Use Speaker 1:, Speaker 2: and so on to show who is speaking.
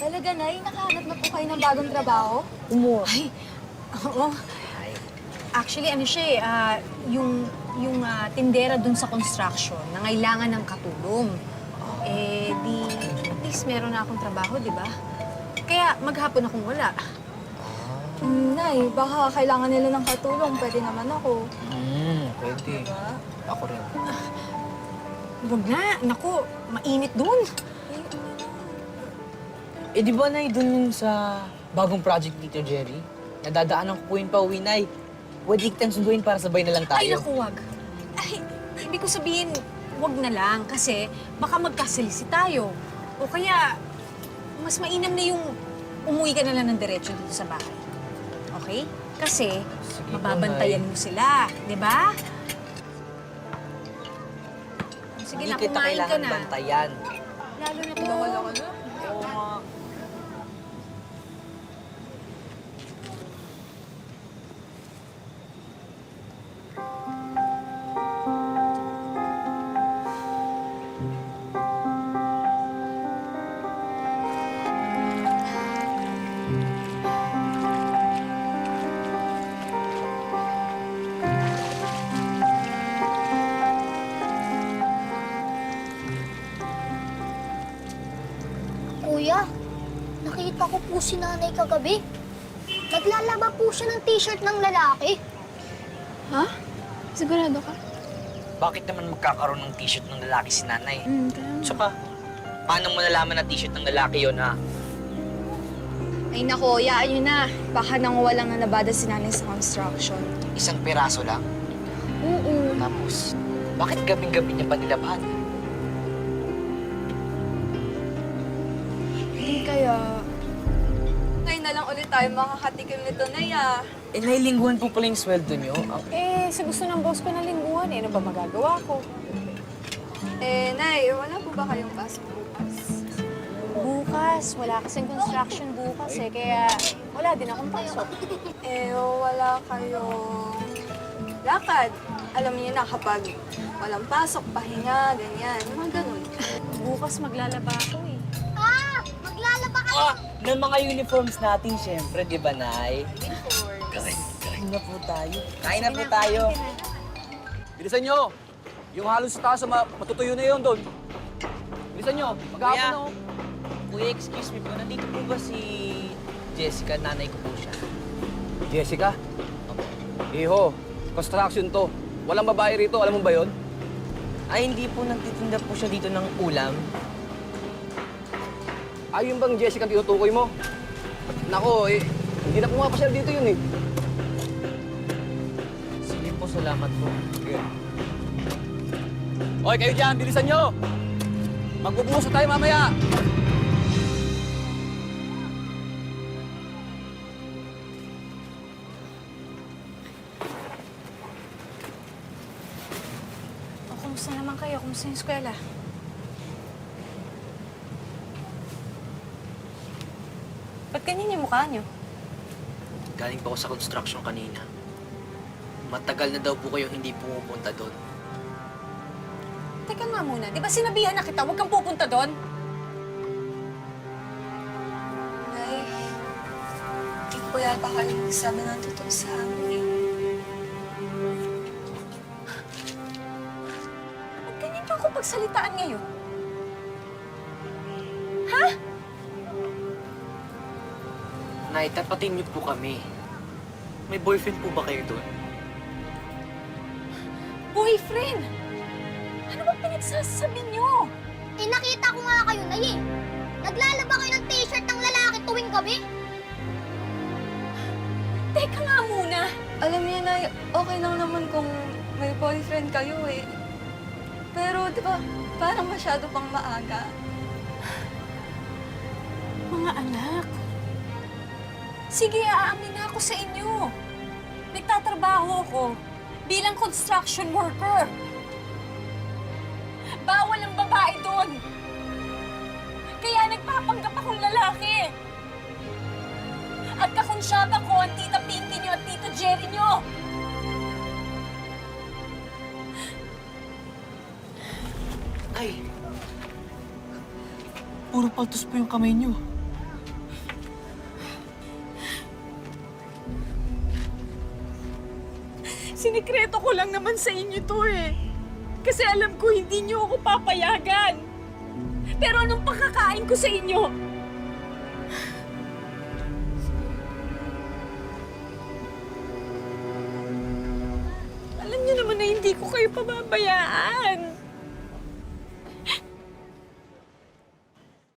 Speaker 1: Talaga, Nay? Nakahanap na po kayo ng bagong trabaho?
Speaker 2: Ay, oo. Actually, ano siya tindera dun sa construction na kailangan ng katulong. Di at least meron na akong trabaho, di ba? Kaya maghapon akong wala.
Speaker 1: Nay, baka kailangan nila ng katulong. Pwede naman ako.
Speaker 3: Pwede.
Speaker 1: Diba?
Speaker 3: Ako rin.
Speaker 2: Huwag na, naku, mainit dun.
Speaker 3: Di ba, Nay, dun sa bagong project ni Tito Jerry? Nadadaanan ko po yun pa uwi, Nay. Pwede kitang sunduin para sabay na lang tayo.
Speaker 2: Ay, naku, wag. Ay, ibig ko sabihin, wag na lang kasi baka magkasalisi tayo. O kaya, mas mainam na yung umuwi ka na lang ng diretso dito sa bahay. Okay? Kasi,
Speaker 3: Sige po,
Speaker 2: mababantayan
Speaker 3: Nay.
Speaker 2: mo sila, di ba? Sige
Speaker 3: Hindi
Speaker 2: na,
Speaker 3: kita
Speaker 2: kumain ka
Speaker 3: kailangan
Speaker 2: na.
Speaker 3: bantayan.
Speaker 2: Lalo na po.
Speaker 1: Bawal ako na.
Speaker 3: Oo nga.
Speaker 4: Kuya, nakita ko po si nanay kagabi. Naglalaba po siya ng t-shirt ng lalaki.
Speaker 1: Ha? Sigurado ka?
Speaker 3: Bakit naman magkakaroon ng t-shirt ng lalaki si nanay?
Speaker 1: Kaya
Speaker 3: Tsaka, paano mo nalaman na t-shirt ng lalaki yon ha?
Speaker 1: Ay nako, yaan nyo na. Baka nanguwa lang na nabada si nanay sa construction.
Speaker 3: Isang piraso lang.
Speaker 1: Oo.
Speaker 3: Tapos, bakit gabing-gabi niya pa nilabahan?
Speaker 1: Hindi kaya... Ngayon na lang ulit tayo makakatikim nito, Nay, ah.
Speaker 3: Nailingguhan po pala yung sweldo niyo.
Speaker 2: Sa gusto ng boss ko na lingguhan, ano ba magagawa ko?
Speaker 1: Nay, wala po ba kayong pasok bukas?
Speaker 2: Bukas, wala kasing construction bukas kaya wala din akong pasok.
Speaker 1: Wala kayong lakad. Alam niyo na kapag walang pasok, pahinga, ganyan. Mga ganun.
Speaker 2: Bukas maglalaba ako
Speaker 4: Ah! Maglalaba kayo!
Speaker 3: Ng mga uniforms natin, syempre, di ba, Nay?
Speaker 1: Uniforms.
Speaker 3: Kain na po tayo. Kain na po tayo.
Speaker 5: Bilisan nyo! Yung halos sa taas, matutuyo na yun doon. Bilisan nyo! Maghapon
Speaker 3: Kuya.
Speaker 5: na oh.
Speaker 3: Kuya, excuse me po. Nandito po ba si Jessica? Nanay ko po siya.
Speaker 5: Jessica? Iho, construction to. Walang babae rito, alam mo ba yun?
Speaker 3: Ay, hindi po. Nagtitinda po siya dito ng ulam.
Speaker 5: Ay, yung bang Jessica ang tinutukoy mo? Nako, hindi na pumapasyal dito yun eh.
Speaker 3: Sige po, salamat po.
Speaker 5: Sige. Hoy, kayo dyan, bilisan nyo! Magbubuhos na tayo mamaya!
Speaker 2: O, kumusta naman kayo? Kumusta yung eskwela? Ba't ganyan yung mukha niyo?
Speaker 3: Galing pa ako sa construction kanina. Matagal na daw po kayong hindi pumupunta doon.
Speaker 2: Teka nga muna, di ba sinabihan na kita, huwag kang pupunta doon?
Speaker 1: Nay, hindi po yata kayo nagsabi ng totoo sa amin.
Speaker 2: Ba't ganyan niyo ako pagsalitaan ngayon? Ha?
Speaker 3: Nay, tapatin niyo po kami. May boyfriend po ba kayo doon?
Speaker 2: Boyfriend! Ano ba pinagsasabi niyo?
Speaker 4: Nakita ko nga kayo, Nay eh. Naglalaba kayo ng t-shirt ng lalaki tuwing gabi.
Speaker 2: Teka nga muna.
Speaker 1: Alam niyo, Nay, okay lang naman kung may boyfriend kayo eh. Pero, di ba, parang masyado pang maaga.
Speaker 2: Mga anak, sige, aamin na ako sa inyo. Nagtatrabaho ako bilang construction worker. Bawal ang babae doon. Kaya nagpapanggap akong lalaki. At kakonsyaba ko ang tita Pinky niyo at tito Jerry niyo.
Speaker 3: Ay! Puro paltos po yung kamay niyo.
Speaker 2: Sinikreto ko lang naman sa inyo to eh. Kasi alam ko hindi niyo ako papayagan. Pero anong pakakain ko sa inyo? Alam niyo naman na hindi ko kayo pababayaan.